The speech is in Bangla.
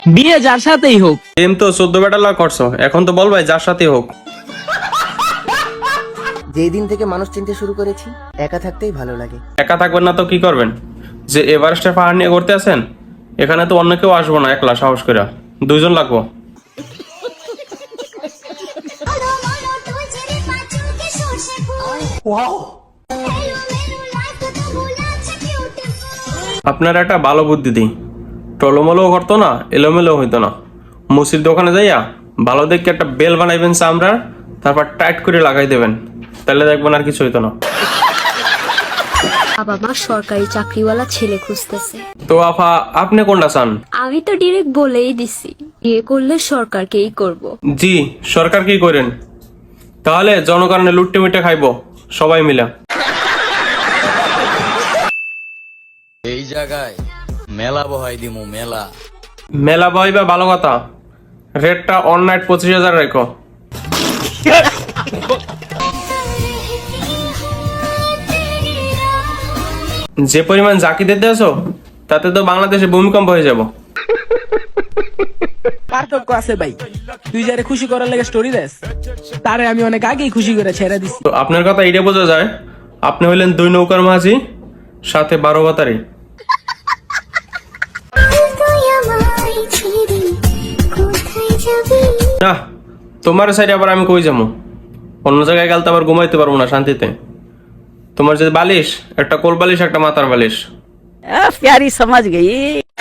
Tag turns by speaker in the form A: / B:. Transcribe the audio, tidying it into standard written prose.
A: বিয়ে যার সাথেই হোক।
B: প্রেম তো 14 বেটা লাখ করছো, এখন তো বল ভাই যার সাথে হোক।
C: যেই দিন থেকে মানুষ চিনতে শুরু করেছি, একা থাকতেই ভালো লাগে।
B: একা থাকবেন না তো কি করবেন? যে এভারেস্টের পাহাড় নিয়ে ঘুরতে আছেন, এখানে তো অন্য কেউ আসবো না, একলা সাহস করে 2 জন লাগবো। আপনার একটা ভালো বুদ্ধি দিই, টলমলো করতো না, এলোমেলো হইতো না। মুসির দোকানে যাইয়া ভালো দেখে একটা বেল বানাইবেন চামড়ার, তারপর টাইট করে লাগাই দেবেন, তাহলে দেখবেন আর কিছু হইতো না।
D: বাবা মা সরকারি চাকরিওয়ালা ছেলে খুঁজতেছে।
B: তো আফা, আপনি কোনটা চান?
D: আমি তো ডিরেক্ট বলেই দিছি, বিয়ে করলে সরকারকেই করব।
B: জি, সরকার কি করেন? তাহলে জনগণের লুট্টে মিটে খাইবো সবাই মিলে।
E: এই জায়গায় মেলা বহাই দিমু মেলা।
B: মেলা বইবা ভালো কথা, রেটটা অন নাইট 25,000 রেখো। যে পরিমাণ জাকি দিতে আছো, তাতে তো বাংলাদেশে ভূমিকম্প হয়ে যাব।
A: পার্থক্য আছে ভাই, তুই যারে খুশি করার লাগে স্টোরি দেস, তারে আমি অনেক আগেই খুশি করে ছেড়ে দিছি।
B: তো আপনার কথা এটা বোঝা যায়, আপনি হইলেন 2 নৌকার মাঝি, সাথে 12 বাতারি। না, তোমার সাইডে আবার আমি কই যাবো? অন্য জায়গায় গেলে তো আবার ঘুমাইতে পারবো না শান্তিতে। তোমার যে বালিশ, একটা কোল বালিশ, একটা মাথার বালিশ।
F: प्यारी समझ गई।